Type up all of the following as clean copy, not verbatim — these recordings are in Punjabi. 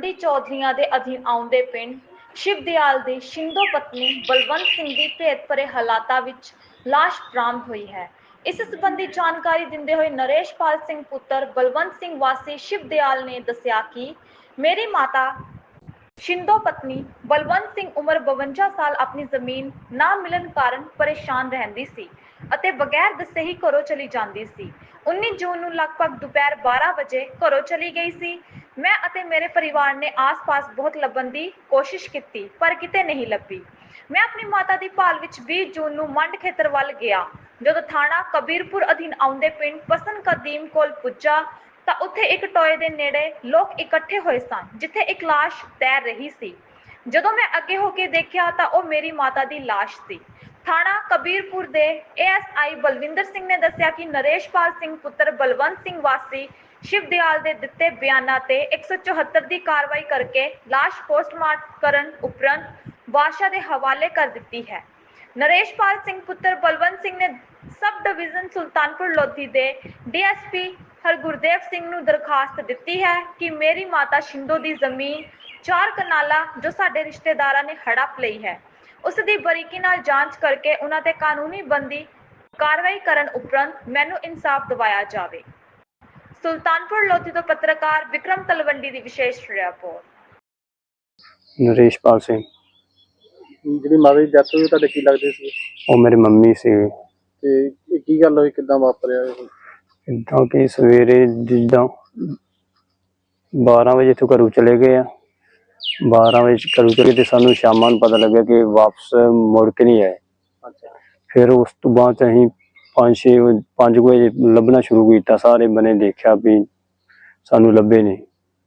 ਤਲਵੰਡੀ ਚੌਧਰੀਆਂ ਦੇ ਅਧੀਨ ਆਉਂਦੇ ਪਿੰਡ ਸ਼ਿਵਦਿਆਲ ਦੀ ਸ਼ਿੰਦੋ ਪਤਨੀ ਬਲਵੰਤ ਸਿੰਘ ਦੀ ਭੇਤ ਭਰੇ ਹਾਲਾਤਾਂ ਵਿੱਚ ਲਾਸ਼ ਬਰਾਮਦ ਹੋਈ ਹੈ। ਇਸ ਸੰਬੰਧੀ ਜਾਣਕਾਰੀ ਦਿੰਦੇ ਹੋਏ ਨਰੇਸ਼ਪਾਲ ਸਿੰਘ ਪੁੱਤਰ ਬਲਵੰਤ ਸਿੰਘ ਵਾਸੀ ਸ਼ਿਵਦਿਆਲ ਨੇ ਦੱਸਿਆ ਕਿ ਮੇਰੀ ਮਾਤਾ ਸ਼ਿੰਦੋ ਪਤਨੀ ਬਲਵੰਤ ਸਿੰਘ ਉਮਰ 52 ਸਾਲ ਆਪਣੀ ਜ਼ਮੀਨ ਨਾ ਮਿਲਣ ਕਾਰਨ ਪਰੇਸ਼ਾਨ ਰਹਿੰਦੀ ਸੀ ਅਤੇ ਬਗੈਰ ਦੱਸੇ ਹੀ ਘਰੋਂ ਚਲੀ ਜਾਂਦੀ ਸੀ। 19 ਜੂਨ ਨੂੰ ਲਗਭਗ ਦੁਪਹਿਰ 12 ਵਜੇ ਘਰੋਂ ਚਲੀ ਗਈ ਸੀ। ਮੈਂ ਅਤੇ ਮੇਰੇ ਪਰਿਵਾਰ ਨੇ ਆਸ-ਪਾਸ ਬਹੁਤ ਲੱਭਣ ਦੀ ਕੋਸ਼ਿਸ਼ ਕੀਤੀ ਪਰ ਕਿਤੇ ਨਹੀਂ ਲੱਭੀ। ਮੈਂ ਆਪਣੀ ਮਾਤਾ ਦੀ ਭਾਲ ਵਿੱਚ 20 ਜੂਨ ਨੂੰ ਮੰਡ ਖੇਤਰ ਵੱਲ ਗਿਆ। ਜਦੋਂ ਥਾਣਾ ਕਬੀਰਪੁਰ ਅਧੀਨ ਆਉਂਦੇ ਪਿੰਡ ਪਸਨ ਕਦੀਮ ਕੋਲ ਪੁੱਜਾ ਤਾਂ ਉੱਥੇ ਇੱਕ ਟੋਏ ਦੇ ਨੇੜੇ ਲੋਕ ਇਕੱਠੇ ਹੋਏ ਸਨ ਜਿੱਥੇ ਇੱਕ ਲਾਸ਼ ਤੈਰ ਰਹੀ ਸੀ। ਜਦੋਂ ਮੈਂ ਅੱਗੇ ਹੋ ਕੇ ਦੇਖਿਆ ਤਾਂ ਉਹ ਮੇਰੀ ਮਾਤਾ ਦੀ ਲਾਸ਼ ਸੀ। ਥਾਣਾ ਕਬੀਰਪੁਰ ਦੇ ASI ਬਲਵਿੰਦਰ ਸਿੰਘ ਨੇ ਦੱਸਿਆ ਕਿ ਨਰੇਸ਼ਪਾਲ ਸਿੰਘ ਪੁੱਤਰ ਬਲਵੰਤ ਸਿੰਘ ਵਾਸੀ ਸ਼ਿਵਦਿਆਲ ਦੇ ਦਿੱਤੇ ਬਿਆਨਾਂ ਤੇ 174 ਦੀ ਕਾਰਵਾਈ ਕਰਕੇ ਲਾਸ਼ ਪੋਸਟਮਾਰਟਮ ਕਰਨ ਉਪਰੰਤ ਵਾਰਸਾਂ ਦੇ ਹਵਾਲੇ ਕਰ ਦਿੱਤੀ ਹੈ। ਨਰੇਸ਼ਪਾਲ ਸਿੰਘ ਪੁੱਤਰ ਬਲਵੰਤ ਸਿੰਘ ਨੇ ਸਬ ਡਿਵੀਜ਼ਨ ਸੁਲਤਾਨਪੁਰ ਲੋਧੀ ਦੇ DSP ਹਰਗੁਰਦੇਵ ਸਿੰਘ ਨੂੰ ਦਰਖਾਸਤ ਦਿੱਤੀ ਹੈ ਕਿ ਮੇਰੀ ਮਾਤਾ ਸ਼ਿੰਦੋ ਦੀ ਜ਼ਮੀਨ 4 ਕਨਾਲਾਂ ਜੋ ਸਾਡੇ ਰਿਸ਼ਤੇਦਾਰਾਂ ਨੇ ਹੜਪ ਲਈ ਹੈ ਉਸ ਦੀ ਬਰੀਕੀ ਨਾਲ ਜਾਂਚ ਕਰਕੇ ਉਹਨਾਂ ਤੇ ਕਾਨੂੰਨੀ ਬੰਦੀ ਕਾਰਵਾਈ ਕਰਨ ਉਪਰੰਤ ਮੈਨੂੰ ਇਨਸਾਫ ਦਿਵਾਇਆ ਜਾਵੇ। ਸੁਲਤਾਨਪੁਰ ਲੋਧੀ ਤੋਂ ਪੱਤਰਕਾਰ ਵਿਕਰਮ ਤਲਵੰਡੀ ਦੀ ਵਿਸ਼ੇਸ਼ ਰਿਪੋਰਟ। ਨਰੇਸ਼ਪਾਲ ਸਿੰਘ ਜਿਹੜੀ ਮਾਤਾ ਦੀ ਡੈਥ ਹੋਈ ਤੁਹਾਡੇ ਕੀ ਲੱਗਦੇ ਸੀ? ਉਹ ਮੇਰੀ ਮੰਮੀ ਸੀ। ਤੇ ਇਹ ਕੀ ਗੱਲ ਹੋਈ, ਕਿੱਦਾਂ ਵਾਪਰਿਆ ਇਹ? ਇੱਦਾਂ ਕਿ ਸਵੇਰੇ ਜਿੱਦਾਂ 12 ਵਜੇ ਤੋਂ ਘਰੋਂ ਚਲੇ ਗਏ ਆ। 12 ਵਜੇ ਘਰੋਂ ਚਲੇ ਤੇ ਸਾਨੂੰ ਸ਼ਾਮਾਂ ਨੂੰ ਪਤਾ ਲੱਗਿਆ ਕਿ ਵਾਪਸ ਮੁੜ ਕੇ ਨਹੀਂ ਆਏ। ਅੱਛਾ। ਫਿਰ ਉਸ ਤੋਂ ਬਾਅਦ ਅਸੀਂ 5 ਵਜੇ ਲੱਭਣਾ ਸ਼ੁਰੂ ਕੀਤਾ। ਸਾਰੇ ਬਨੇ ਦੇਖਿਆ ਵੀ ਸਾਨੂੰ ਲੱਭੇ ਨਹੀਂ।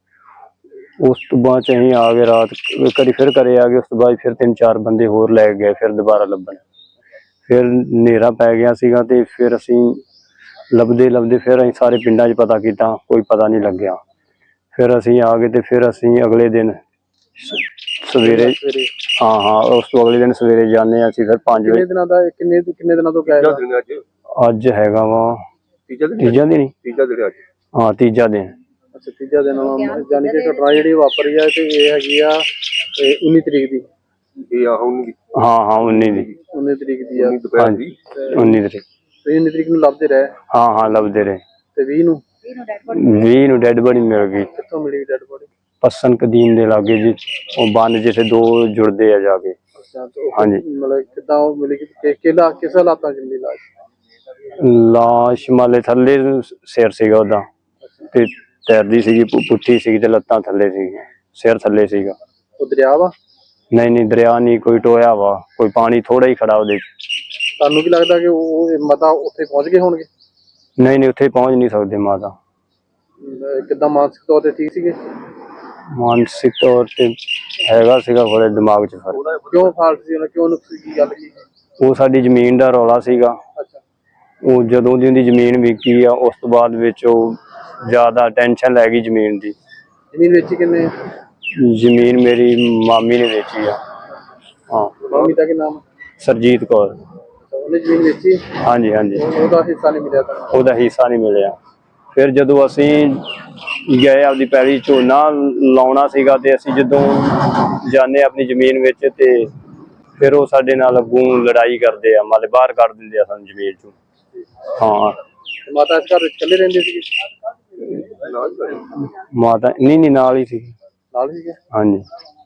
ਉਸ ਤੋਂ ਬਾਅਦ ਅਸੀਂ ਆ ਗਏ, ਰਾਤ ਕਰੀ ਫਿਰ ਘਰੇ ਆ ਗਏ। ਉਸ ਤੋਂ ਬਾਅਦ ਫਿਰ 3-4 ਬੰਦੇ ਹੋਰ ਲੈ ਗਏ ਫਿਰ ਦੁਬਾਰਾ ਲੱਭਣ। ਫਿਰ ਹਨੇਰਾ ਪੈ ਗਿਆ ਸੀਗਾ ਤੇ ਫਿਰ ਅਸੀਂ ਲੱਭਦੇ ਫਿਰ ਅਸੀਂ ਸਾਰੇ ਪਿੰਡਾਂ 'ਚ ਪਤਾ ਕੀਤਾ, ਕੋਈ ਪਤਾ ਨਹੀਂ ਲੱਗਿਆ। ਫਿਰ ਅਸੀਂ ਆ ਗਏ ਤੇ ਫਿਰ ਅਸੀਂ ਅਗਲੇ ਦਿਨ ਸਵੇਰੇ ਉਸ ਤੋਂ ਅਗਲੇ ਦਿਨ ਸਵੇਰੇ ਜਾਂਦੇ ਹਾਂ ਅਸੀਂ। ਫਿਰ 5 ਵਜੇ ਕਿੰਨੇ ਦਿਨਾਂ ਤੋਂ ਗਏ? ਅੱਜ ਹੈਗਾ ਵਾ ਤੀਜਾ ਦਿਨ। ਹਾਂ, ਤੀਜਾ ਦਿਨ। ਅੱਛਾ, ਤੀਜਾ ਦਿਨ। ਯਾਨੀ ਕਿ ਘਟਨਾ ਜਿਹੜੀ ਵਾਪਰੀ ਆ ਤੇ ਇਹ ਹੈਗੀ ਆ 19 ਤਰੀਕ ਦੀ। ਹਾਂ 19 ਤਰੀਕ ਦੀ ਆ। 19 ਤਰੀਕ। 19 ਤਰੀਕ ਨੂੰ ਲੱਭਦੇ ਰਹੇ? ਹਾਂ ਲੱਭਦੇ ਰਹੇ। ਤੇ 20 ਨੂੰ ਡੈਡ ਬੋਡੀ ਮਿਲ ਗਈ। ਕਿੱਥੋਂ ਮਿਲੀ ਡੈਡ ਬੋਡੀ? ਪਸਨ ਕਦੀਮ ਦੇ ਲਾਗੇ ਜੀ, ਉਹ ਬੰਨ ਜਿੱਥੇ 2 ਜੁੜਦੇ ਆ ਜਾ ਕੇ। ਹਾਂਜੀ। ਮਤਲਬ ਕਿੱਦਾਂ ਉਹ ਮਿਲੀ, ਕਿਸ ਹਾਲਾਤਾਂ 'ਚ ਮਿਲੀ ਲਾਸ਼? ਲਾਸ਼ ਮਾਲੇ ਥੱਲੇ ਸਿਰ ਸੀਗਾ ਉਹਦਾ ਤੇ ਤੈਰਦੀ ਸੀਗੀ, ਪੁੱਠੀ ਸੀਗੀ ਤੇ ਲੱਤਾਂ ਥੱਲੇ ਸੀਗੀਆਂ, ਸਿਰ ਥੱਲੇ ਸੀਗਾ। ਉਹ ਦਰਿਆ ਵਾ? ਨਹੀਂ ਦਰਿਆ ਨਹੀਂ, ਕੋਈ ਟੋਇਆ ਵਾ, ਕੋਈ ਪਾਣੀ ਥੋੜਾ ਹੀ ਖੜਾ ਉਹਦੇ 'ਚ। ਤੁਹਾਨੂੰ ਕੀ ਲੱਗਦਾ ਕਿ ਉਹ ਮਾਤਾ ਉੱਥੇ ਪਹੁੰਚ ਗਏ ਹੋਣਗੇ? ਨਹੀਂ ਉੱਥੇ ਪਹੁੰਚ ਨਹੀਂ ਸਕਦੇ ਮਾਤਾ। ਕਿੱਦਾਂ ਮਾਨਸਿਕ ਤੌਰ ਤੇ ਠੀਕ ਸੀਗੇ? ਮਾਨਸਿਕ ਤੌਰ ਤੇ ਹੈਗਾ ਸੀਗਾ, ਥੋੜੇ ਦਿਮਾਗ 'ਚ ਫਰਕ। ਕਿਉਂ ਫਾਲਟ ਸੀ ਉਹਨਾਂ? ਕਿਉਂ ਨੁਕਸ ਕੀ ਗੱਲ ਕੀ? ਉਹ ਸਾਡੀ ਜ਼ਮੀਨ ਦਾ ਰੌਲਾ ਸੀਗਾ। ਅੱਛਾ। ਉਹ ਜਦੋਂ ਦੀ ਉਹਦੀ ਜ਼ਮੀਨ ਵਿਕੀ ਆ ਉਸ ਤੋਂ ਬਾਅਦ ਵਿੱਚ ਉਹ ਜ਼ਿਆਦਾ ਟੈਨਸ਼ਨ ਲੈ ਗਈ ਜ਼ਮੀਨ ਦੀ। ਜ਼ਮੀਨ ਵੇਚੀ ਕਿੰਨੇ? ਜ਼ਮੀਨ ਮੇਰੀ ਮਾਮੀ ਨੇ ਵੇਚੀ ਆ। ਹਾਂ। ਮਾਮੀ ਦਾ ਕੀ ਨਾਮ? ਸਰਜੀਤ ਕੌਰ। ਉਹਨੇ ਜ਼ਮੀਨ ਵੇਚੀ? ਹਾਂਜੀ। ਉਹਦਾ ਹਿੱਸਾ ਨਹੀਂ ਮਿਲਿਆ ਤੁਹਾਨੂੰ? ਉਹਦਾ ਹਿੱਸਾ ਨਹੀਂ ਮਿਲਿਆ। ਫਿਰ ਜਦੋਂ ਅਸੀਂ ਗਏ ਆਪਦੀ ਪੈਲੀ ਝੋਨਾ ਲਾਉਣਾ ਸੀਗਾ ਤੇ ਅਸੀਂ ਜਦੋਂ ਜਾਂਦੇ ਆਪਣੀ ਜ਼ਮੀਨ ਵਿੱਚ ਤੇ ਫਿਰ ਉਹ ਸਾਡੇ ਨਾਲ ਅੱਗੋਂ ਲੜਾਈ ਕਰਦੇ ਆ, ਮਤਲਬ ਬਾਹਰ ਕੱਢ ਦਿੰਦੇ ਆ ਸਾਨੂੰ ਜ਼ਮੀਨ ਚੋਂ। ਹਾਂ। ਮਾਤਾ ਇਸ ਘਰ ਵਿੱਚ ਇਕੱਲੇ ਰਹਿੰਦੇ ਸੀਗੇ? ਮਾਤਾ ਨਹੀਂ ਨਾਲ ਹੀ ਸੀ। ਨਾਲ ਸੀਗੇ? ਹਾਂਜੀ।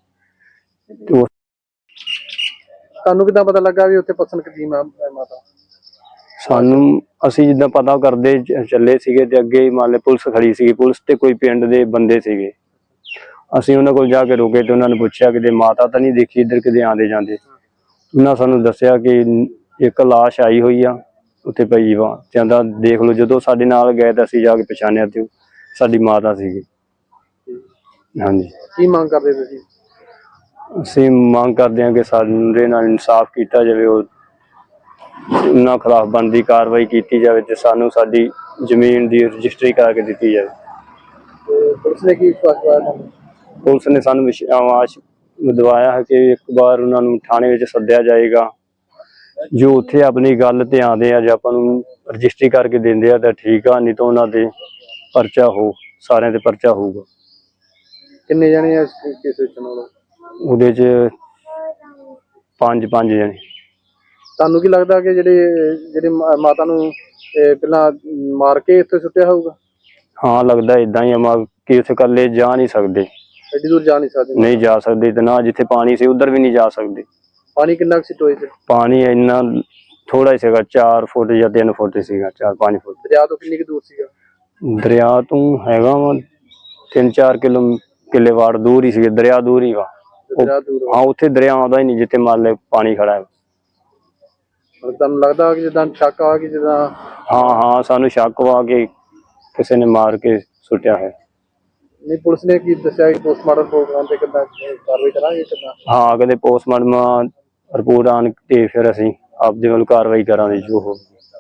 ਤੁਹਾਨੂੰ ਕਿੱਦਾਂ ਪਤਾ ਲੱਗਾ ਵੀ ਉੱਥੇ ਪਸਨ ਕਦੀਮ ਆ ਮਾਤਾ? ਸਾਨੂੰ ਅਸੀਂ ਜਿੱਦਾਂ ਪਤਾ ਕਰਦੇ ਚੱਲੇ ਸੀਗੇ ਤੇ ਅੱਗੇ ਮੰਨ ਲਓ ਪੁਲਿਸ ਖੜੀ ਸੀਗੀ, ਪੁਲਿਸ ਤੇ ਕੋਈ ਪਿੰਡ ਦੇ ਬੰਦੇ ਸੀਗੇ। ਅਸੀਂ ਉਹਨਾਂ ਕੋਲ ਜਾ ਕੇ ਰੁਕੇ ਤੇ ਉਹਨਾਂ ਨੇ ਪੁੱਛਿਆ ਕਿਤੇ ਮਾਤਾ ਤਾਂ ਨਹੀਂ ਦੇਖੀ ਇੱਧਰ ਕਿਤੇ ਆਉਂਦੇ ਜਾਂਦੇ? ਉਹਨਾਂ ਸਾਨੂੰ ਦੱਸਿਆ ਕਿ ਇੱਕ ਲਾਸ਼ ਆਈ ਹੋਈ ਆ ਉੱਥੇ ਪਈ ਵਾ। ਕਹਿੰਦਾ ਦੇਖ ਲਓ। ਜਦੋਂ ਸਾਡੇ ਨਾਲ ਗਏ ਤਾਂ ਅਸੀਂ ਜਾ ਕੇ ਪਛਾਣਿਆ ਤੇ ਸਾਡੀ ਮਾਤਾ ਸੀਗੀ। ਹਾਂਜੀ। ਕੀ ਮੰਗ ਕਰਦੇ ਤੁਸੀਂ? ਅਸੀਂ ਮੰਗ ਕਰਦੇ ਹਾਂ ਕਿ ਸਾਡੇ ਨਾਲ ਇਨਸਾਫ ਕੀਤਾ ਜਾਵੇ, ਉਹਨਾਂ ਖਿਲਾਫ ਬਣਦੀ ਕਾਰਵਾਈ ਕੀਤੀ ਜਾਵੇ ਤੇ ਸਾਨੂੰ ਸਾਡੀ ਜ਼ਮੀਨ ਦੀ ਰਜਿਸਟਰੀ ਕਰਕੇ ਦਿੱਤੀ ਜਾਵੇ। ਪੁਲਿਸ ਨੇ ਕੀ ਵਿਸ਼ਵਾਸ? ਪੁਲਿਸ ਨੇ ਸਾਨੂੰ ਵਿਸ਼ਵਾਸ ਦਿਵਾਇਆ ਹੈ ਕਿ ਇੱਕ ਵਾਰ ਉਹਨਾਂ ਨੂੰ ਥਾਣੇ ਵਿੱਚ ਸੱਦਿਆ ਜਾਏਗਾ। ਜੋ ਉੱਥੇ ਆਪਣੀ ਗੱਲ ਤੇ ਆਉਂਦੇ ਆ, ਜੇ ਆਪਾਂ ਨੂੰ ਰਜਿਸਟਰੀ ਕਰਕੇ ਦਿੰਦੇ ਆ ਤਾਂ ਠੀਕ ਆ, ਨਹੀਂ ਤਾਂ ਉਹਨਾਂ ਦੇ ਪਰਚਾ ਸਾਰਿਆਂ ਦੇ ਪਰਚਾ ਹੋਊਗਾ। ਕਿੰਨੇ ਜਣੇ ਆ ਇਸ ਕੇਸ ਵਿੱਚ ਨਾਲ? ਉਹਦੇ 'ਚ ਪੰਜ ਜਣੇ। ਤੁਹਾਨੂੰ ਕੀ ਲੱਗਦਾ ਕਿ ਜਿਹੜੇ ਮਾਤਾ ਨੂੰ ਪਹਿਲਾਂ ਮਾਰ ਕੇ ਇੱਥੇ ਸੁੱਟਿਆ ਹੋਊਗਾ? ਹਾਂ ਲੱਗਦਾ ਇਦਾਂ ਹੀ ਆ ਕਿ ਉੱਥੇ ਇਕੱਲੇ ਜਾ ਨਹੀਂ ਸਕਦੇ, ਐਡੀ ਦੂਰ ਜਾ ਨਹੀਂ ਸਕਦੇ? ਨਹੀਂ ਜਾ ਸਕਦੇ ਤੇ ਨਾ ਜਿੱਥੇ ਪਾਣੀ ਸੀ ਉਧਰ ਵੀ ਨਹੀਂ ਜਾ ਸਕਦੇ। ਪਾਣੀ ਕਿੰਨਾ ਕੁ ਸੀ ਟੋਏ 'ਚ? ਪਾਣੀ ਇੰਨਾ ਥੋੜਾ ਹੀ ਸੀਗਾ, 4 ਫੁੱਟ ਜਾਂ 3 ਫੁੱਟ ਸੀਗਾ, 4-5 ਫੁੱਟ। ਦਰਿਆ ਤੋਂ ਕਿੰਨੀ ਕੁ ਦੂਰ ਸੀਗਾ? ਦਰਿਆ ਤੋਂ ਹੈਗਾ ਵਾ 3-4 ਕਿੱਲੇ ਵਾੜ ਦੂਰ ਹੀ ਸੀ, ਦਰਿਆ ਦੂਰ ਹੀ ਵਾ। ਦਰਿਆ ਦੂਰ ਹਾਂ ਉੱਥੇ ਦਰਿਆ ਆਉਂਦਾ ਹੀ ਨਹੀਂ ਜਿੱਥੇ ਮੰਨ ਲੈ ਪਾਣੀ ਖੜਾ ਹੈ। ਤੁਹਾਨੂੰ ਲੱਗਦਾ ਕਿ ਜਿੱਦਾਂ ਸ਼ੱਕ ਆ ਕਿ ਜਿੱਦਾਂ? ਹਾਂ ਸਾਨੂੰ ਸ਼ੱਕ ਵਾ ਕਿ ਕਿਸੇ ਨੇ ਮਾਰ ਕੇ ਸੁੱਟਿਆ ਹੈ। ਨਹੀਂ, ਪੁਲਿਸ ਨੇ ਕੀ ਦੱਸਿਆ ਕਿ ਪੋਸਟਮਾਰਟਮ ਪ੍ਰੋਗਰਾਮ ਤੇ ਕਿੱਦਾਂ ਕਾਰਵਾਈ ਕਰਾਂਗੇ ਕਿੱਦਾਂ? ਹਾਂ ਕਹਿੰਦੇ ਪੋਸਟਮਾਰਟਮ ਰਿਪੋਰਟ ਆਉਣ ਤੇ ਫਿਰ ਅਸੀਂ ਆਪਦੇ ਵੱਲ ਕਾਰਵਾਈ ਕਰਾਂਗੇ ਜੋ ਹੋਊਗੀ।